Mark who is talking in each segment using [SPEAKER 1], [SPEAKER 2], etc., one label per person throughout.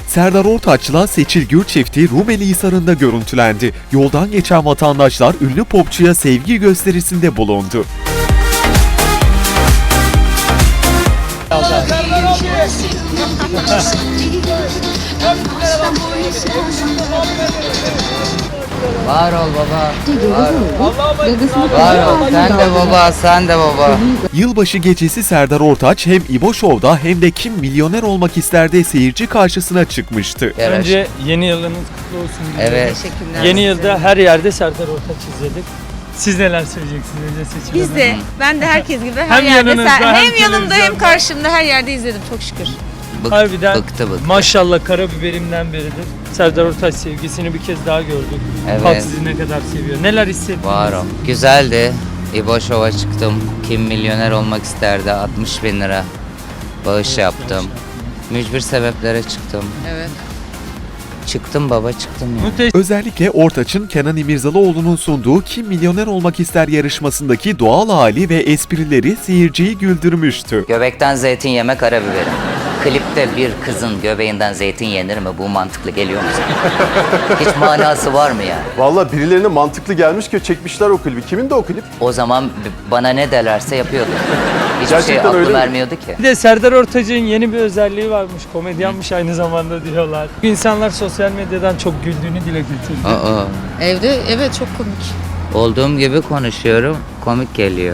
[SPEAKER 1] Serdar Ortaç'la Seçil Gür çifti Rumeli Hisarı'nda görüntülendi. Yoldan geçen vatandaşlar ünlü popçuya sevgi gösterisinde bulundu.
[SPEAKER 2] Var ol baba. Var ol. Var ol. Sen de baba, sen de baba.
[SPEAKER 1] Yılbaşı gecesi Serdar Ortaç hem İbo Show'da hem de Kim Milyoner Olmak İster'de seyirci karşısına çıkmıştı.
[SPEAKER 3] Önce yeni yılınız kutlu olsun.
[SPEAKER 2] Evet.
[SPEAKER 4] Teşekkürler.
[SPEAKER 3] Yeni yılda her yerde Serdar Ortaç izledik. Siz neler söyleyeceksiniz önce Seçil
[SPEAKER 4] Biz
[SPEAKER 3] Hanım?
[SPEAKER 4] de, ben de herkes gibi her
[SPEAKER 3] Hem
[SPEAKER 4] yerde,
[SPEAKER 3] yanınızda, hem
[SPEAKER 4] hem yanımda hem
[SPEAKER 3] televizyonda.
[SPEAKER 4] karşımda her yerde izledim çok şükür.
[SPEAKER 3] Harbiden
[SPEAKER 2] Bıktı.
[SPEAKER 3] maşallah karabiberimden beridir. Serdar Ortaç sevgisini bir kez daha gördük.
[SPEAKER 2] Evet.
[SPEAKER 3] Halk sizi ne kadar seviyor. Neler hissettiniz?
[SPEAKER 2] Var ol. Güzeldi. İbo Show'a çıktım. Kim milyoner olmak isterdi? 60 bin lira bağış yaptım. Mücbir sebeplere çıktım.
[SPEAKER 4] Evet.
[SPEAKER 2] Çıktım baba, çıktım ya.
[SPEAKER 3] Muhteşem.
[SPEAKER 1] Özellikle Ortaç'ın Kenan İmirzalıoğlu'nun sunduğu Kim Milyoner Olmak İster yarışmasındaki doğal hali ve esprileri seyirciyi güldürmüştü.
[SPEAKER 2] Göbekten zeytin yeme karabiberi. Klipte bir kızın göbeğinden zeytin yenir mi? Bu mantıklı geliyor mu sana? Hiç manası var mı yani?
[SPEAKER 5] Vallahi birilerine mantıklı gelmiş ki çekmişler o klibi. Kimin de o klip?
[SPEAKER 2] O zaman bana ne derlerse yapıyordum. Hiçbir şey
[SPEAKER 5] Gerçekten öyle
[SPEAKER 2] aklı
[SPEAKER 5] mi?
[SPEAKER 2] vermiyordu ki.
[SPEAKER 3] Bir de Serdar Ortaç'ın yeni bir özelliği varmış. Komedyanmış aynı zamanda diyorlar. İnsanlar sosyal medyadan çok güldüğünü dile getirdi.
[SPEAKER 2] Aa,
[SPEAKER 4] Evde evet çok komik.
[SPEAKER 2] olduğum gibi konuşuyorum, komik geliyor.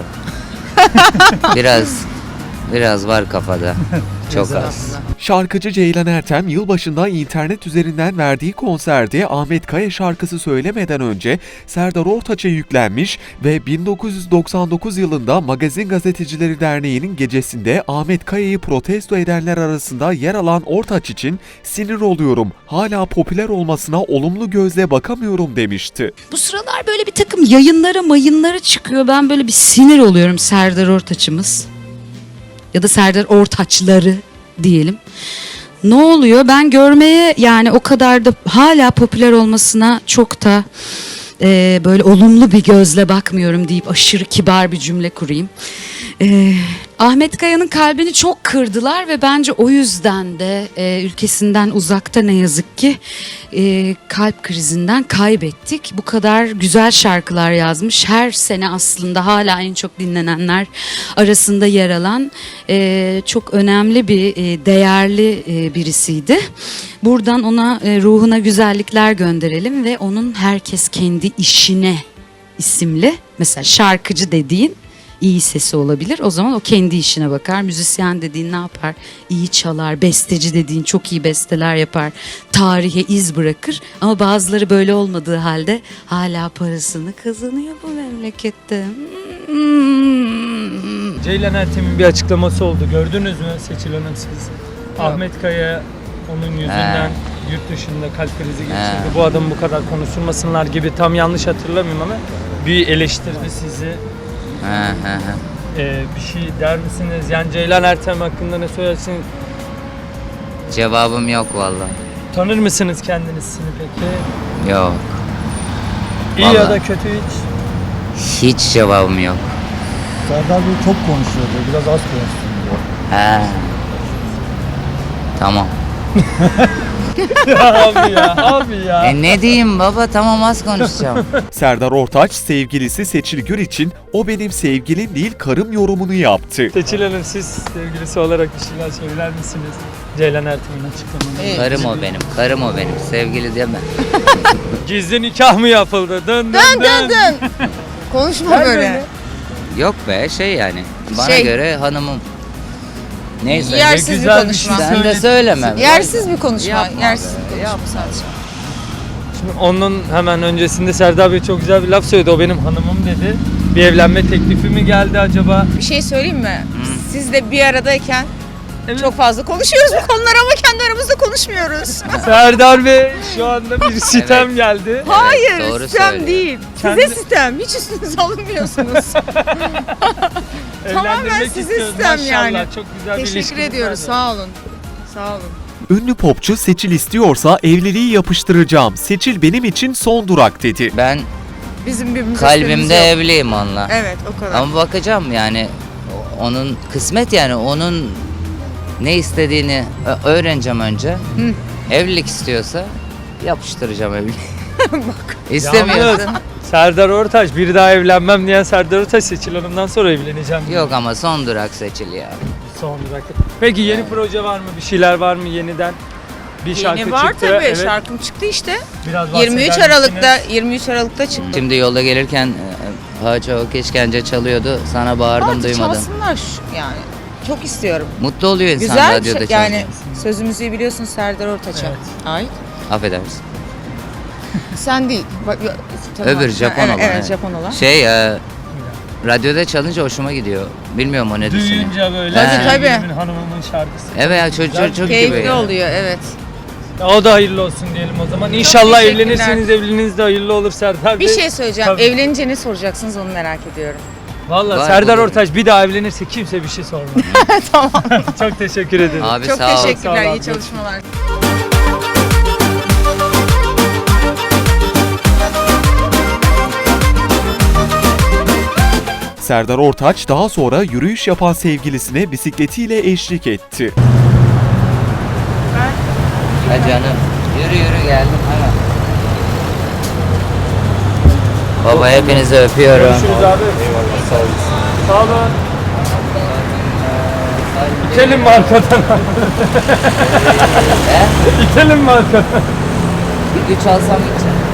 [SPEAKER 2] Biraz var kafada. Çok az.
[SPEAKER 1] Şarkıcı Ceylan Ertem yılbaşında internet üzerinden verdiği konserde Ahmet Kaya şarkısı söylemeden önce Serdar Ortaç'a yüklenmiş ve 1999 yılında Magazin Gazetecileri Derneği'nin gecesinde Ahmet Kaya'yı protesto edenler arasında yer alan Ortaç için sinir oluyorum, hala popüler olmasına olumlu gözle bakamıyorum demişti.
[SPEAKER 6] Bu sıralar böyle bir takım mayınlara çıkıyor. Ben böyle bir sinir oluyorum Serdar Ortaç'ımız. Ya da Serdar Ortaçları diyelim. Ne oluyor? Ben görmeye yani o kadar da hala popüler olmasına çok da böyle olumlu bir gözle bakmıyorum deyip aşırı kibar bir cümle kurayım. Ahmet Kaya'nın kalbini çok kırdılar ve bence o yüzden de ülkesinden uzakta ne yazık ki kalp krizinden kaybettik. Bu kadar güzel şarkılar yazmış. Her sene aslında hala en çok dinlenenler arasında yer alan çok önemli bir değerli birisiydi. Buradan ona ruhuna güzellikler gönderelim ve onun Herkes Kendi İşine isimli mesela şarkıcı dediğin iyi sesi olabilir. O zaman o kendi işine bakar. Müzisyen dediğin ne yapar? İyi çalar. Besteci dediğin çok iyi besteler yapar. Tarihe iz bırakır. Ama bazıları böyle olmadığı halde hala parasını kazanıyor bu memlekette.
[SPEAKER 3] Ceylan Ertem'in bir açıklaması oldu. Gördünüz mü Seçil Hanım siz? Ahmet Kaya onun yüzünden yurt dışında kalp krizi geçirdi. Bu adam bu kadar konuşulmasınlar gibi, tam yanlış hatırlamıyorum ama bir eleştirdi sizi. Bir şey der misiniz? Yani Ceylan Ertem hakkında ne söylersiniz?
[SPEAKER 2] Cevabım yok vallahi.
[SPEAKER 3] Tanır mısınız kendinizini peki?
[SPEAKER 2] Yok.
[SPEAKER 3] İyi ya
[SPEAKER 2] Vallahi.
[SPEAKER 3] da kötü hiç?
[SPEAKER 2] Hiç cevabım yok.
[SPEAKER 7] Serdar Bey çok konuşuyordu. Biraz az konuşsun diyor.
[SPEAKER 2] He. Tamam.
[SPEAKER 3] Abi ya.
[SPEAKER 2] Ne diyeyim baba, tamam az konuşacağım.
[SPEAKER 1] Serdar Ortaç sevgilisi Seçil Gür için "o benim sevgilim değil karım" yorumunu yaptı.
[SPEAKER 3] Seçil Hanım siz sevgilisi olarak bir şeyler söyler misiniz? Ceylan Ertem'in açıklamaları.
[SPEAKER 2] Karım o benim, karım o benim. Sevgili deme.
[SPEAKER 3] Gizli nikah mı yapıldı? Dön
[SPEAKER 4] Dön. Konuşma böyle.
[SPEAKER 2] Yok be, şey yani. Bana
[SPEAKER 4] Şey.
[SPEAKER 2] göre hanımım. Neyse.
[SPEAKER 4] Yersiz bir
[SPEAKER 3] güzel bir
[SPEAKER 4] konuşma.
[SPEAKER 3] şey
[SPEAKER 2] Sen de söyleme.
[SPEAKER 4] Yersiz bir konuşma.
[SPEAKER 2] Yapma
[SPEAKER 4] Yersiz
[SPEAKER 2] be,
[SPEAKER 4] bir konuşma
[SPEAKER 2] yapma
[SPEAKER 4] sadece.
[SPEAKER 3] Şimdi onun hemen öncesinde Serdar Bey çok güzel bir laf söyledi. O benim hanımım dedi. Bir evlenme teklifi mi geldi acaba?
[SPEAKER 4] Bir şey söyleyeyim mi? Siz de bir aradayken
[SPEAKER 3] Evet.
[SPEAKER 4] çok fazla konuşuyoruz bu konuları ama kendi aramızda konuşmuyoruz.
[SPEAKER 3] Serdar Bey şu anda bir sitem
[SPEAKER 2] Evet.
[SPEAKER 3] geldi.
[SPEAKER 4] Hayır,
[SPEAKER 2] doğru
[SPEAKER 4] sitem
[SPEAKER 2] söylüyor.
[SPEAKER 4] değil.
[SPEAKER 3] Kendi-
[SPEAKER 4] Size sitem. Hiç üstünüze alınmıyorsunuz. Tamamen
[SPEAKER 3] Evlendirmek
[SPEAKER 4] size
[SPEAKER 3] istiyoruz.
[SPEAKER 4] sitem
[SPEAKER 3] Maşallah,
[SPEAKER 4] yani.
[SPEAKER 3] çok güzel bir
[SPEAKER 4] Teşekkür
[SPEAKER 3] ilişkiniz
[SPEAKER 4] ediyoruz.
[SPEAKER 3] var.
[SPEAKER 4] Sağ olun. Sağ olun.
[SPEAKER 1] Ünlü popçu Seçil istiyorsa evliliği yapıştıracağım. Seçil benim için son durak dedi.
[SPEAKER 2] Ben
[SPEAKER 4] Bizim birbirimize sevgimiz
[SPEAKER 2] kalbimde
[SPEAKER 4] yok.
[SPEAKER 2] evliyim onunla.
[SPEAKER 4] Evet, o kadar.
[SPEAKER 2] Ama bakacağım yani. Onun kısmet yani, onun ne istediğini öğreneceğim önce. Evlilik istiyorsa yapıştıracağım evlilik. İstemiyorsa
[SPEAKER 3] Yalnız Serdar Ortaç bir daha evlenmem diyen Serdar Ortaç Seçil Hanım'dan sonra evleneceğim diyor.
[SPEAKER 2] yok ama son durak Seçil ya.
[SPEAKER 3] Son durakta. Peki yeni proje var mı? Bir şeyler var mı yeniden? Bir şarkı
[SPEAKER 4] Yeni var
[SPEAKER 3] çıktı.
[SPEAKER 4] tabii.
[SPEAKER 3] Evet.
[SPEAKER 4] Şarkım çıktı işte.
[SPEAKER 3] Biraz
[SPEAKER 4] 23
[SPEAKER 3] bahseder
[SPEAKER 4] Aralık'ta
[SPEAKER 3] misiniz?
[SPEAKER 4] 23 Aralık'ta çıktı.
[SPEAKER 2] Şimdi yolda gelirken Haço işkence çalıyordu. Sana bağırdım
[SPEAKER 4] Artık
[SPEAKER 2] duymadın.
[SPEAKER 4] çalsınlar yani. Çok istiyorum.
[SPEAKER 2] Mutlu oluyor insan
[SPEAKER 4] Güzel bir
[SPEAKER 2] radyoda
[SPEAKER 4] şey.
[SPEAKER 2] çalınca.
[SPEAKER 4] Yani sözümüzü biliyorsun Serdar Ortaç'a
[SPEAKER 3] Evet.
[SPEAKER 4] ait.
[SPEAKER 2] Affedersin.
[SPEAKER 4] Sen değil. Bak, tamam.
[SPEAKER 2] Öbür Japon
[SPEAKER 4] evet,
[SPEAKER 2] olan.
[SPEAKER 4] Evet,
[SPEAKER 2] evet.
[SPEAKER 4] Japon olan.
[SPEAKER 2] Radyoda çalınca hoşuma gidiyor. Bilmiyorum o ne düşünüyor.
[SPEAKER 3] Duyunca böyle
[SPEAKER 4] Tabii, tabii.
[SPEAKER 3] sevgilimin hanımımın şarkısı.
[SPEAKER 2] Evet ya çok
[SPEAKER 4] Keyifli
[SPEAKER 2] gibi.
[SPEAKER 4] oluyor evet.
[SPEAKER 3] O da hayırlı olsun diyelim o zaman. İnşallah
[SPEAKER 4] teşekkürler.
[SPEAKER 3] evlenirsiniz, evliliğiniz de hayırlı olur Serdar Bey.
[SPEAKER 4] Bir şey söyleyeceğim.
[SPEAKER 3] Tabii.
[SPEAKER 4] Evlenince ne soracaksınız onu merak ediyorum.
[SPEAKER 3] Vallahi
[SPEAKER 2] Var,
[SPEAKER 3] Serdar
[SPEAKER 2] olur.
[SPEAKER 3] Ortaç bir daha evlenirse kimse bir şey sormaz.
[SPEAKER 4] Tamam.
[SPEAKER 3] Çok teşekkür ederim.
[SPEAKER 2] Abi
[SPEAKER 4] Çok
[SPEAKER 2] sağ ol.
[SPEAKER 3] Sağ
[SPEAKER 4] teşekkürler.
[SPEAKER 3] ol
[SPEAKER 4] İyi
[SPEAKER 3] abi.
[SPEAKER 4] çalışmalar.
[SPEAKER 1] Serdar Ortaç daha sonra yürüyüş yapan sevgilisine bisikletiyle eşlik etti.
[SPEAKER 2] Ha canım. Yürü geldim hemen. Baba hepinizi öpüyorum.
[SPEAKER 3] Görüşürüz abi. Sağ olun. İtelim mi arkadan? İtelim mi arkadan?
[SPEAKER 2] Bir güç alsam gideceğim.